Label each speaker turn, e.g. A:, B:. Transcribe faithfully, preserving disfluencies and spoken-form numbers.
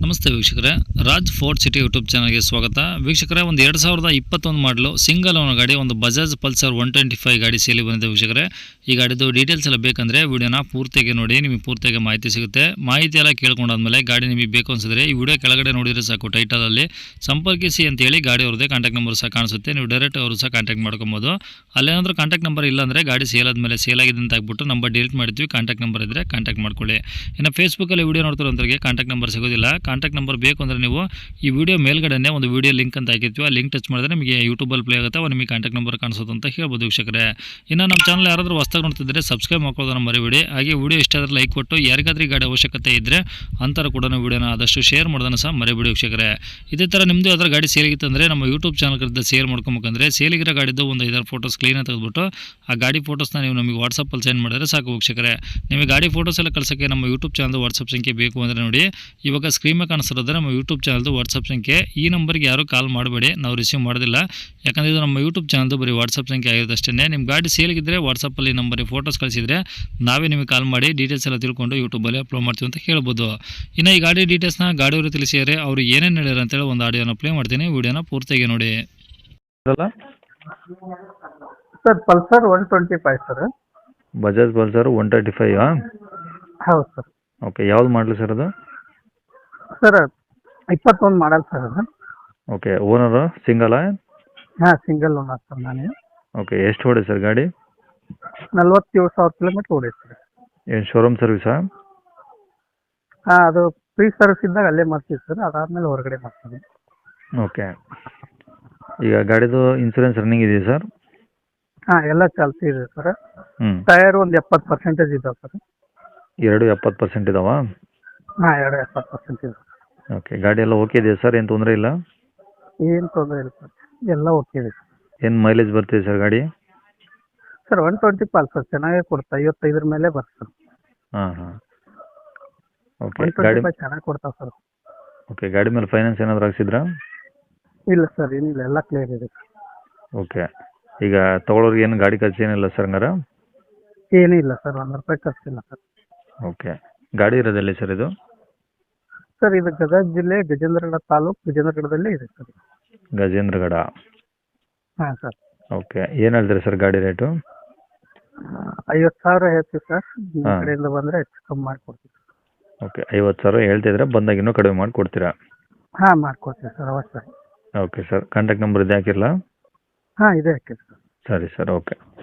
A: ನಮಸ್ತೆ ವೀಕ್ಷಕರೇ, Raj fort city YouTube ಚಾನಲ್ಗೆ ಸ್ವಾಗತ. ವೀಕ್ಷಕರೇ, ಒಂದು ಎರಡು ಸಾವಿರದ ಇಪ್ಪತ್ತೊಂದು ಮಾಡಲು ಸಿಂಗಲ್ ಓನರ್ ಗಾಡಿ, ಒಂದು Bajaj Pulsar one twenty five ಗಾಡಿ ಸೇಲಿ ಬಂದಿದೆ. ವೀಕ್ಷಕರೇ, ಈ ಗಾಡಿದು ಡೀಟೇಲ್ಸ್ ಎಲ್ಲ ಬೇಕಂದರೆ ವಿಡಿಯೋನ ಪೂರ್ತಿಯಾಗಿ ನೋಡಿ, ನಿಮಗೆ ಪೂರ್ತಿಯಾಗಿ ಮಾಹಿತಿ ಸಿಗುತ್ತೆ. ಮಾಹಿತಿ ಎಲ್ಲ ಕೇಳ್ಕೊಂಡಾದ್ಮೇಲೆ ಗಾಡಿ ನಿಮಗೆ ಬೇಕು ಅನಿಸಿದ್ರೆ ಈ ವಿಡಿಯೋ ಕೆಳಗಡೆ ನೋಡಿದರೆ ಸಾಕು, ಟೈಟಲಲ್ಲಿ ಸಂಪರ್ಕಿಸಿ ಅಂತೇಳಿ ಗಾಡಿ ಅವ್ರದ್ದೇ ಕಾಂಟ್ಯಾಕ್ಟ್ ನಂಬರ್ ಸಹ ಕಾಣಿಸುತ್ತೆ. ನೀವು ಡೈರೆಕ್ಟ್ ಅವರು ಸಹ ಕಾಂಟ್ಯಾಕ್ಟ್ ಮಾಡ್ಕೊಬೋದು. ಅಲ್ಲೇನಾದರೂ ಕಾಂಟ್ಯಾಕ್ಟ್ ನಂಬರ್ ಇಲ್ಲ ಅಂದರೆ ಗಾಡಿ ಸೇಲ್ ಆದಮೇಲೆ ಸೇಲ್ ಆಗಿದೆ ಅಂತ ಆಗ್ಬಿಟ್ಟು ನಂಬರ್ ಡಿಲೀಟ್ ಮಾಡಿದ್ವಿ. ಕಾಂಟ್ಯಾಕ್ಟ್ ನಂಬರ್ ಇದ್ದರೆ ಕಾಂಟ್ಯಾಕ್ಟ್ ಮಾಡ್ಕೊಳ್ಳಿ. ಇನ್ನು ಫೇಸ್ಬುಕ್ಕಲ್ಲಿ ವಿಡಿಯೋ ನೋಡ್ತಿರೋಂಥವ್ರಿಗೆ ಕಾಂಟ್ಯಾಕ್ಟ್ ನಂಬರ್ ಸಿಗೋದಿಲ್ಲ. ಕಾಂಟ್ಯಾಕ್ಟ್ ನಂಬರ್ ಬೇಕು ಅಂದರೆ ನೀವು ಈ ವಿಡಿಯೋ ಮೇಲ್ಗಡೆ ಒಂದು ವಿಡಿಯೋ ಲಿಂಕ್ ಅಂತ ಹಾಕಿರ್ತೀವಿ. ಆ ಲಿಂಕ್ ಟಚ್ ಮಾಡಿದ್ರೆ ನಿಮಗೆ ಯೂಟ್ಯೂಬಲ್ಲಿ ಪ್ಲೇ ಆಗುತ್ತೆ, ಅವ ನಿಮಗೆ ಕಾಂಟ್ಯಾಕ್ಟ್ ನಂಬರ್ ಕಾಣಿಸೋದು ಅಂತ ಹೇಳ್ಬೋದು. ವೀಕ್ಷಕರೇ, ಇನ್ನು ನಮ್ಮ ಚಾನಲ್ ಯಾರಾದರೂ ಹೊಸದಾಗಿ ನೋಡ್ತಿದ್ರೆ ಸಬ್ಸ್ಕ್ರೈಬ್ ಮಾಡ್ಕೊಳ್ಳೋದನ್ನ ಮರಿಬೇಡಿ. ಹಾಗೆ ವಿಡಿಯೋ ಇಷ್ಟ ಆದರೆ ಲೈಕ್ ಕೊಟ್ಟು, ಯಾರಿಗಾದ್ರೂ ಗಾಡಿ ಅವಶ್ಯಕತೆ ಇದ್ದರೆ ಅಂತರ ಕೂಡ ವಿಡಿಯೋನ ಆದಷ್ಟು ಶೇರ್ ಮಾಡೋದನ್ನು ಸಹ ಮರಿಬೇಡಿ. ವೀಕ್ಷಕರೇ, ಇದೇ ಥರ ನಿಮ್ಮದು ಯಾವ್ದಾರು ಗಾಡಿ ಸೇಲಿಗಿತ್ತು ಅಂದರೆ ನಮ್ಮ ಯೂಟ್ಯೂಬ್ ಚಾನಲ್ ಕರೆದ ಸೇಲ್ ಮಾಡ್ಕೊಬೇಕಂದ್ರೆ ಸೇಲಿಗಿರೋ ಗಾಡಿದ್ದು ಒಂದು ಐದಾರು ಫೋಟೋಸ್ ಕ್ಲೀನಾಗಿ ತೆಗೆದುಬಿಟ್ಟು ಆ ಗಾಡಿ ಫೋಟೋಸ್ನ ನೀವು ನಮಗೆ ವಾಟ್ಸಪ್ಪಲ್ಲಿ ಸೆಂಡ್ ಮಾಡಿದ್ರೆ ಸಾಕು. ವೀಕ್ಷಕರೇ, ನಿಮಗೆ ಗಾಡಿ ಫೋಟೋಸ್ ಎಲ್ಲ ಕಳ್ಸೋಕ್ಕೆ ನಮ್ಮ ಯೂಟ್ಯೂಬ್ ಚಾನಲ್ದು ವಾಟ್ಸಪ್ ಸಂಖ್ಯೆ ಬೇಕು ಅಂದರೆ ನೋಡಿ, ಇವಾಗ ಸ್ಕ್ರೀನ್ ಮೇಲೆ ಕಾಣಿಸ್ತಿರೋದ್ರೆ ನಮ್ಮ ಯೂಟ್ಯೂಬ್ ಚಾನಲ್ದು ವಾಟ್ಸಪ್ ಸಂಖ್ಯೆ. ಈ ನಂಬರ್ಗೆ ಯಾರು ಕಾಲ್ ಮಾಡಬೇಡಿ, ನಾವು ರಿಸೀವ್ ಮಾಡೋದಿಲ್ಲ. ಯಾಕಂದರೆ ಇದು ನಮ್ಮ ಯೂಟ್ಯೂಬ್ ಚಾನಲ್ದು ಬರೀ ವಾಟ್ಸಪ್ ಸಂಖ್ಯೆ ಆಗಿರೋದಷ್ಟೇ. ನಿಮ್ಮ ಗಾಡಿ ಸೇಲಿಗಿದ್ದರೆ ವಾಟ್ಸಪ್ಪಲ್ಲಿ ನಂಬರಿಗೆ ಫೋಟೋಸ್ ಕಳಿಸಿದರೆ ನಾವೇ ನಿಮಗೆ ಕಾಲ್ ಮಾಡಿ ಡೀಟೇಲ್ಸ್ ಎಲ್ಲ ತಿಳ್ಕೊಂಡು ಯೂಟ್ಯೂಬಲ್ಲಿ ಅಪ್ಲೋಡ್ ಮಾಡ್ತೀವಿ ಅಂತ ಹೇಳ್ಬೋದು. ಇನ್ನು ಈ ಗಾಡಿ ಡೀಟೇಲ್ಸ್ನ ಗಾಡಿಯವರು ತಿಳಿಸಿದರೆ ಅವರು ಏನೇನು ಹೇಳ್ಯಾರ ಅಂತೇಳಿ ಒಂದು ಆಡಿಯೋನ ಪ್ಲೇ ಮಾಡ್ತೀನಿ. ವಿಡಿಯೋನ ಪೂರ್ತಿಯಾಗಿ ನೋಡಿ.
B: Sir Pulsar one twenty five sir.
C: Bajaj Pulsar one twenty five
B: ಹೌದು ಸರ್.
C: ಓಕೆ, ಯಾವ್ದು ಮಾಡಲಿ ಸರ್ ಅದು?
B: ಸರ್ ಇಪ್ಪತ್ತೊಂದು ಮಾಡಲ್ ಸರ್ ಅದು.
C: ಓಕೆ, ಓನರು ಸಿಂಗಲಾ?
B: ಹಾಂ, ಸಿಂಗಲ್ ಓನರ್ ಸರ್ ನಾನೇ.
C: ಓಕೆ, ಎಷ್ಟು ಹೊಡೆ ಸರ್ ಗಾಡಿ?
B: ನಲ್ವತ್ತೇಳು ಸಾವಿರ ಕಿಲೋಮೀಟ್ರ್ ಓಡೈತೆ ಸರ್.
C: ಏನು ಶೋರೂಮ್ ಸರ್ವಿಸಾ?
B: ಹಾಂ, ಅದು ಫ್ರೀ ಸರ್ವಿಸ್ ಇದ್ದಾಗ ಅಲ್ಲೇ ಮಾಡ್ತೀವಿ ಸರ್, ಅದಾದಮೇಲೆ ಹೊರಗಡೆ ಮಾಡ್ತೀವಿ.
C: ಓಕೆ, ಈಗ ಗಾಡಿದು ಇನ್ಸೂರೆನ್ಸ್ ರನ್ನಿಂಗ್ ಇದೆಯಾ ಸರ್?
B: ಹಾಂ, ಎಲ್ಲ ಚಾಲ್ತಿ ಇದೆ ಸರ್.
C: ಹ್ಞೂ,
B: ಟೈರ್ ಒಂದು ಎಪ್ಪತ್ತು ಪರ್ಸೆಂಟೇಜ್ ಇದಾವೆ ಸರ್.
C: ಎರಡು ಎಪ್ಪತ್ತು ಪರ್ಸೆಂಟ್ ಇದಾವಾ?
B: ಹಾಂ, ಎರಡು ಎಪ್ಪತ್ತು ಪರ್ಸೆಂಟ್ ಇದೆ.
C: ಓಕೆ, ಗಾಡಿ ಎಲ್ಲ ಓಕೆ ಇದೆಯಾ ಸರ್? ಏನು ತೊಂದರೆ ಇಲ್ಲ?
B: ಏನು ತೊಂದರೆ ಇಲ್ಲ ಸರ್, ಎಲ್ಲ ಓಕೆ ಇದೆ ಸರ್.
C: ಏನು ಮೈಲೇಜ್ ಬರ್ತಿದೆ ಸರ್ ಗಾಡಿ?
B: ಸರ್ ಒನ್ ಟ್ವೆಂಟಿ ಪಾಲ್ ಸರ್, ಚೆನ್ನಾಗೇ ಕೊಡ್ತಾ, ಐವತ್ತೈದರ ಮೇಲೆ ಬರ್ತದೆ.
C: ಹಾಂ ಹಾಂ ಓಕೆ,
B: ಒನ್
C: ಗಾಡಿ
B: ಟ್ವೆಂಟಿ ಫೈವ್ ಚೆನ್ನಾಗಿ ಕೊಡ್ತಾವೆ ಸರ್.
C: ಓಕೆ, ಗಾಡಿ ಮೇಲೆ ಫೈನಾನ್ಸ್ ಏನಾದರೂ ಹಾಕ್ಸಿದ್ರಾ?
B: ಇಲ್ಲ ಸರ್, ಏನಿಲ್ಲ, ಎಲ್ಲ ಕ್ಲಿಯರ್ ಇದೆ.
C: ಓಕೆ, ಈಗ ತೊಗೊಳೋರಿಗೆ ಏನು ಗಾಡಿ ಖರ್ಚು ಏನಿಲ್ಲ ಸರ್ ಹಂಗಾರ?
B: ಏನೂ ಇಲ್ಲ ಸರ್, ಒಂದು ರೂಪಾಯಿ ಖರ್ಚಿಲ್ಲ ಸರ್.
C: ಓಕೆ, ಗಾಡಿ ಇರೋದೆಲ್ಲಿ ಸರ್ ಇದು?
B: ಸರ್ ಇದು ಗದಗ ಜಿಲ್ಲೆ ಗಜೇಂದ್ರಗಡ ತಾಲೂಕು, ಗಜೇಂದ್ರಗಡದಲ್ಲೇ ಇದೆ ಸರ್.
C: ಗಜೇಂದ್ರಗಡ.
B: ಹಾಂ ಸರ್.
C: ಓಕೆ, ಏನು ಹೇಳ್ತೀರಿ ಸರ್ ಗಾಡಿ ರೇಟು?
B: ಐವತ್ತು ಸಾವಿರ ಹೇಳ್ತೀವಿ ಸರ್, ನಿಮ್ಮ
C: ಹಾಂ.
B: ಕಡೆಯಿಂದ ಬಂದರೆ ಹೆಚ್ಚು ಕಮ್ಮಿ ಮಾಡಿಕೊಡ್ತೀವಿ.
C: ಓಕೆ, ಐವತ್ತು ಸಾವಿರ ಹೇಳ್ತಿದ್ರೆ ಬಂದಾಗ ಇನ್ನೂ ಕಡಿಮೆ ಮಾಡಿ ಕೊಡ್ತೀರಾ?
B: ಹಾಂ, ಮಾಡಿಕೊಡ್ತೀವಿ ಸರ್, ಅವಶ್ಯ.
C: ಓಕೆ ಸರ್, ಕಾಂಟ್ಯಾಕ್ಟ್ ನಂಬರ್ ಇದೆ ಹಾಕಿರಲಾ?
B: ಹಾಂ, ಇದೆ ಹಾಕಿರಿ ಸರ್.
C: ಸರಿ ಸರ್, ಓಕೆ.